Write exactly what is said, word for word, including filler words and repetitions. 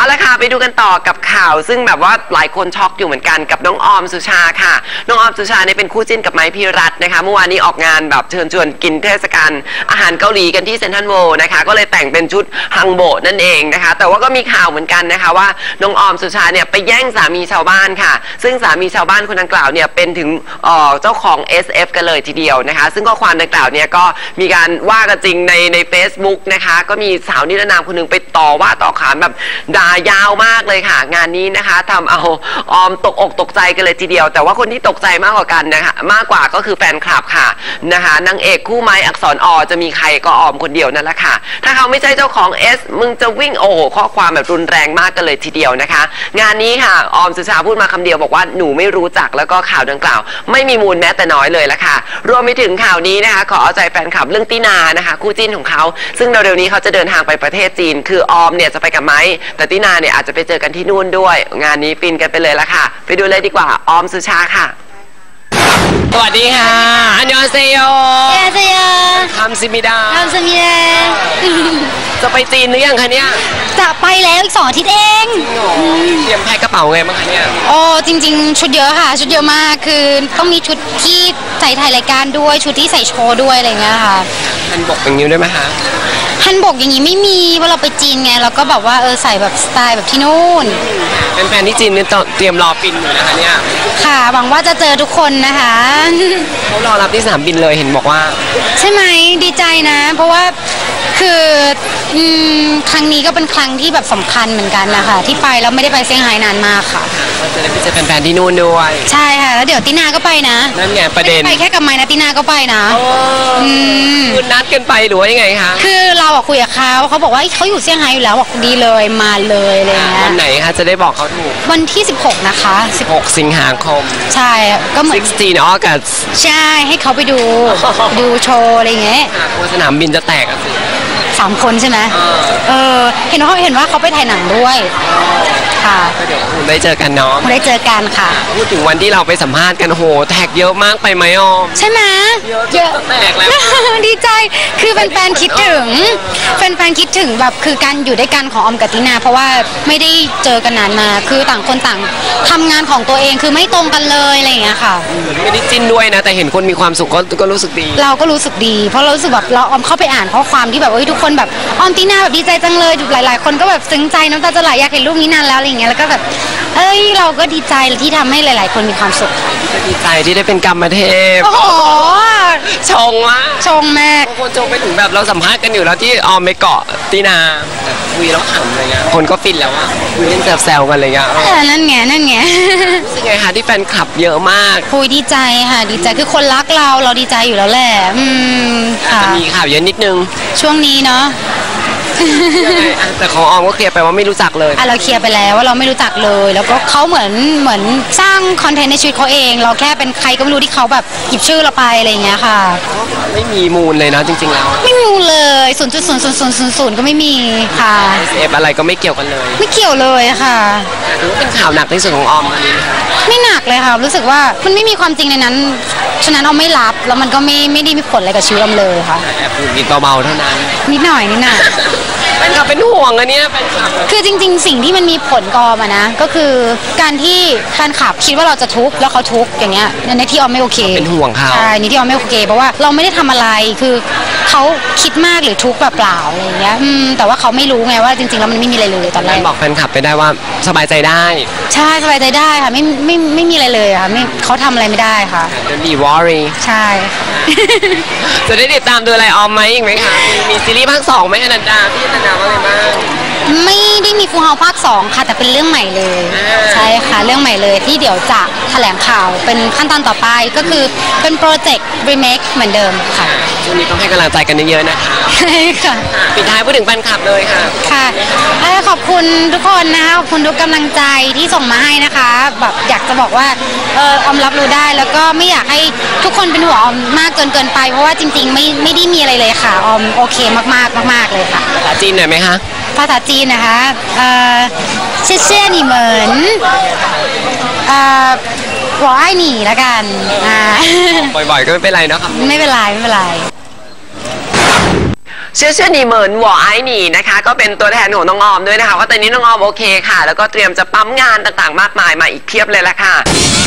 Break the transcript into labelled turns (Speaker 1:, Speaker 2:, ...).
Speaker 1: เอาละค่ะไปดูกันต่อกับข่าวซึ่งแบบว่าหลายคนช็อกอยู่เหมือนกันกับน้องออมสุชาค่ะน้องออมสุชาเนี่ยเป็นคู่จิ้นกับไม้พิรัตน์นะคะเมื่อวานนี้ออกงานแบบเชิญชวนกินเทศกาลอาหารเกาหลีกันที่เซ็นทรัลเวิลด์นะคะก็เลยแต่งเป็นชุดฮังโบะนั่นเองนะคะแต่ว่าก็มีข่าวเหมือนกันนะคะว่าน้องออมสุชาเนี่ยไปแย่งสามีชาวบ้านค่ะซึ่งสามีชาวบ้านคนดังกล่าวเนี่ยเป็นถึงเจ้าของ เอส เอฟ กันเลยทีเดียวนะคะซึ่งข้อความดังกล่าวเนี่ยก็มีการว่ากันจริงในใน Facebook นะคะก็มีสาวนิรนามคนนึงไปต่อว่าต่อขานแบบด่ายาวมากเลยค่ะงานนี้นะคะทำเอาออมตกอกตกใจกันเลยทีเดียวแต่ว่าคนที่ตกใจมากกว่ากันนะคะมากกว่าก็คือแฟนคลับค่ะนะคะนางเอกคู่ไม้อักษรอจะมีใครก็ออมคนเดียวนั่นแหละค่ะถ้าเขาไม่ใช่เจ้าของ S มึงจะวิ่งโอ้โหข้อความแบบรุนแรงมากกันเลยทีเดียวนะคะงานนี้ค่ะออมสุชาพูดมาคำเดียวบอกว่าหนูไม่รู้จักแล้วก็ข่าวดังกล่าวไม่มีมูลแม้แต่น้อยเลยละค่ะรวมไปถึงข่าวนี้นะคะขอเอาใจแฟนคลับเรื่องตินานะคะคู่จิ้นของเขาซึ่งเร็วๆนี้เขาจะเดินทางไปประเทศจีนคือออมเนี่ยจะไปกับไม้แต่ตินาเนี่ยอาจจะไปเจอกันที่นู่นด้วยงานนี้ฟินกันไปเลยละค่ะไปดูเลยดีกว่าออมสุชาค่ะสวัสดีค่ะอันยองเซโย
Speaker 2: 안녕하세요
Speaker 1: ทำซิมิดา
Speaker 2: ทำซิมิดา
Speaker 1: จะไปจีนหรือยังคะเนี่ย
Speaker 2: จะไปแล้วอีกสองอาทิตย์เอง
Speaker 1: เตรียมแพ็คกระเป๋าไงบ้างคะเนี่ย
Speaker 2: โอ้จริงๆชุดเยอะค่ะชุดเยอะมากคือต้องมีชุดที่ใส่ถ่ายรายการด้วยชุดที่ใส่โชว์ด้วยอะไรเงี้ยค่ะ
Speaker 1: ฮันบกอย่างนี้ด้วยไหมคะ
Speaker 2: ฮันบกอย่างนี้ไม่มีเพราะเราไปจีนไงเราก็แบบว่าเออใส่แบบสไตล์แบบที่นู่น
Speaker 1: เป็นแฟนที่จีนนี่เตรียมรอฟินอยู่นะคะเนี่ย
Speaker 2: ค่ะหวังว่าจะเจอทุกคนนะคะ
Speaker 1: เขารอรับที่สนามบินเลยเห็นบอกว่า
Speaker 2: ใช่ไหมดีใจนะเพราะว่าคือครั้งนี้ก็เป็นครั้งที่แบบสำคัญเหมือนกันนะคะที่ไปแล้วไม่ได้ไปเซี่ยงไฮ้นานมากค่ะ
Speaker 1: ก็จะได้ไปเจอแฟนๆที่นู่นด้วย
Speaker 2: ใช่ค่ะแล้วเดี๋ยวตินาก็ไปนะ
Speaker 1: นั่นไงประเด็น
Speaker 2: ไปแค่กับไม้นะตินาก็ไปนะ
Speaker 1: คือนัดกันไปหรือว่ายังไงคะ
Speaker 2: คือเราอะคุยกับเขาเขาบอกว่าเขาอยู่เซี่ยงไฮ้อยู่แล้วบอกดีเลยมาเลยอะไรเงี้ย
Speaker 1: วันไหนคะจะได้บอกเขาถูก
Speaker 2: วันที่สิบหกนะคะ
Speaker 1: สิบหกสิงหาคม
Speaker 2: ใช่ก็เหมือน
Speaker 1: สิบหก August
Speaker 2: ใช่ให้เขาไปดูดูโชว์อะไรเงี้ย
Speaker 1: กลัวสนามบินจะแตกอ่ะสิ
Speaker 2: สามคนใช่ไหมเออเห็นเขาเห็นว่าเขาไปถ่ายหนังด้วยค่ะ
Speaker 1: ก็เดี๋ยวคุณได้เจอกันเนาะ
Speaker 2: ได้เจอกันค่ะ
Speaker 1: พูดถึงวันที่เราไปสัมภาษณ์กันโหแท็กเยอะมากไปไหมออม
Speaker 2: ใช่ไหมเยอะ
Speaker 1: แตกแล้ว
Speaker 2: ดีใจคือแฟนๆคิดถึงแฟนๆคิดถึงแบบคือการอยู่ด้วยกันของออมกับตินาเพราะว่าไม่ได้เจอกันนานมาคือต่างคนต่างทำงานของตัวเองคือไม่ตรงกันเลยอะไรอย่างเงี้ยค่ะ
Speaker 1: ไม่ได้จิ้นด้วยนะแต่เห็นคนมีความสุขก็ก็รู้สึกดี
Speaker 2: เราก็รู้สึกดีเพราะเรารู้สึกแบบเราออมเข้าไปอ่านข้อความที่แบบเอ้ยทุกคนแบบออมตินาแบบดีใจจังเลยหลายๆคนก็แบบซึ้งใจน้ำตาจะไหลอยากเห็นรูปนี้นานแล้วอะไรอย่างเงี้ยแล้วก็แบบเอ้ยเราก็ดีใจที่ทำให้หลายๆคนมีความสุข
Speaker 1: ดีใจที่ได้เป็นกรรมเทพ
Speaker 2: โอ้โห
Speaker 1: ชงมาก
Speaker 2: ชงแม่
Speaker 1: คนชงไปถึงแบบเราสัมภาษณ์กันอยู่แล้วที่ออมไปเกาะตินาแบบคุยแล้วขำอะไรเงี้ยคนก็ฟินแล้วอ่ะคุยเล่นแซวๆกันอะไรเงี้ย
Speaker 2: นั่นไงนั่นไง
Speaker 1: รู้สึกไงคะที่แฟนคลับเยอะมาก
Speaker 2: คุยดีใจค่ะดีใจคือคนรักเราเราดีใจอยู่แล้วแหละอืม
Speaker 1: ค่ะมีข่าวเยอะนิดนึง
Speaker 2: ช่วงนี้เนาะ
Speaker 1: แต่ของออมก็เคลียร์ไปว่าไม่รู้จักเลย
Speaker 2: อ่ะเราเคลียร์ไปแล้วว่าเราไม่รู้จักเลยแล้วก็เขาเหมือนเหมือนสร้างคอนเทนต์ในชีวิตเขาเองเราแค่เป็นใครก็ไม่รู้ที่เขาแบบหยิบชื่อเราไปอะไรอย่างเงี้ยค่ะ
Speaker 1: ไม่มีมูลเลยนะจริงๆแล้ว
Speaker 2: ไม่มีมูลเลยศูนย์จุดศูนย์ศูนย์ศูนย์ศูนย์ศูนย์ก็ไม่มีค่ะ
Speaker 1: เอฟอะไรก็ไม่เกี่ยวกันเลย
Speaker 2: ไม่เกี่ยวเลยค่ะ
Speaker 1: ถือว่าเป็นข่าวหนักที่สุดของออมวันนี้
Speaker 2: ไม่หนักเลยค่ะรู้สึกว่ามันไม่มีความจริงในนั้นฉะนั้นเอาไม่รับแล้วมันก็ไม่ไม่ได้มีผลอะไรกับชีวิตออมเลยค่ะ
Speaker 1: แอบพูดนิดเบาๆเท่านั้น
Speaker 2: นิดหน่อยนิดหน่อย
Speaker 1: เป็นกับเป็นห่วงอันนี้เป็น
Speaker 2: คือจริงๆสิ่งที่มันมีผลกอมานะก็คือการที่แฟนคลับคิดว่าเราจะทุบแล้วเขาทุบอย่างเงี้ยในที่ออมไม่โอเค
Speaker 1: เป็นห่วงเขา
Speaker 2: ใช่ในที่ออมไม่โอเคเพราะว่าเราไม่ได้ทำอะไรคือเขาคิดมากหรือทุบเปล่าๆอะไรอย่างเงี้ยแต่ว่าเขาไม่รู้ไงว่าจริงๆแล้วมันไม่มีอะไรเลยตอนแรก
Speaker 1: บอกแฟนคลับไปได้ว่าสบายใจได้
Speaker 2: ใช่สบายใจได้ค่ะไม่ไม่ไม่มีอะไรเลยค่ะไม่เขาทำอะไรไม่ได้ค่ะ
Speaker 1: จะมีวอรี่
Speaker 2: ใช่
Speaker 1: จะได้ติดตามดูอะไรออมไหมอีกไหมคะมีซีรีส์ภาคสองไหมอนันดาพี่อนันดาว่าอะไรบ้าง
Speaker 2: ไม่ได้มีฟูเฮาภาคสองค่ะแต่เป็นเรื่องใหม่เลยใช่ค่ะเรื่องใหม่เลยที่เดี๋ยวจะแถลงข่าวเป็นขั้นตอนต่อไปก็คือเป็นโปรเจกต์รีเมคเหมือนเดิมค่ะ
Speaker 1: ช่วงนี้ต้องให้กำลังใจกันเยอะๆนะคะ
Speaker 2: ใช่ค่ะ
Speaker 1: ปิดท้ายพูดถึงแฟนคลับเลยค่ะ
Speaker 2: ค่ะขอบคุณทุกคนนะคะขอบคุณทุกกำลังใจที่ส่งมาให้นะคะแบบอยากจะบอกว่าเออออมรับรู้ได้แล้วก็ไม่อยากให้ทุกคนเป็นห่วงออมมากจนเกินไปเพราะว่าจริงๆไม่ไม่ได้มีอะไรเลยค่ะออมโอเคมากๆมากๆเลยค่ะ
Speaker 1: ภาษาจีนหน่อยไหมคะ
Speaker 2: ภาษาจีนนะคะเอ่อเชี่ยเชี่ยหนี่เหมือนเอ่อ我爱你ละกันอ่า
Speaker 1: บ่อยๆก็ไม่เป็นไรเนาะครับ
Speaker 2: ไม่เป็นไรไม่เป็นไร
Speaker 1: เชื่อเชื่อหนีเหมินหวอไอหนีนะคะก็เป็นตัวแทนของน้องออมด้วยนะคะว่าตอนนี้น้องออมโอเคค่ะแล้วก็เตรียมจะปั๊มงานต่างๆมากมายมาอีกเพียบเลยละค่ะ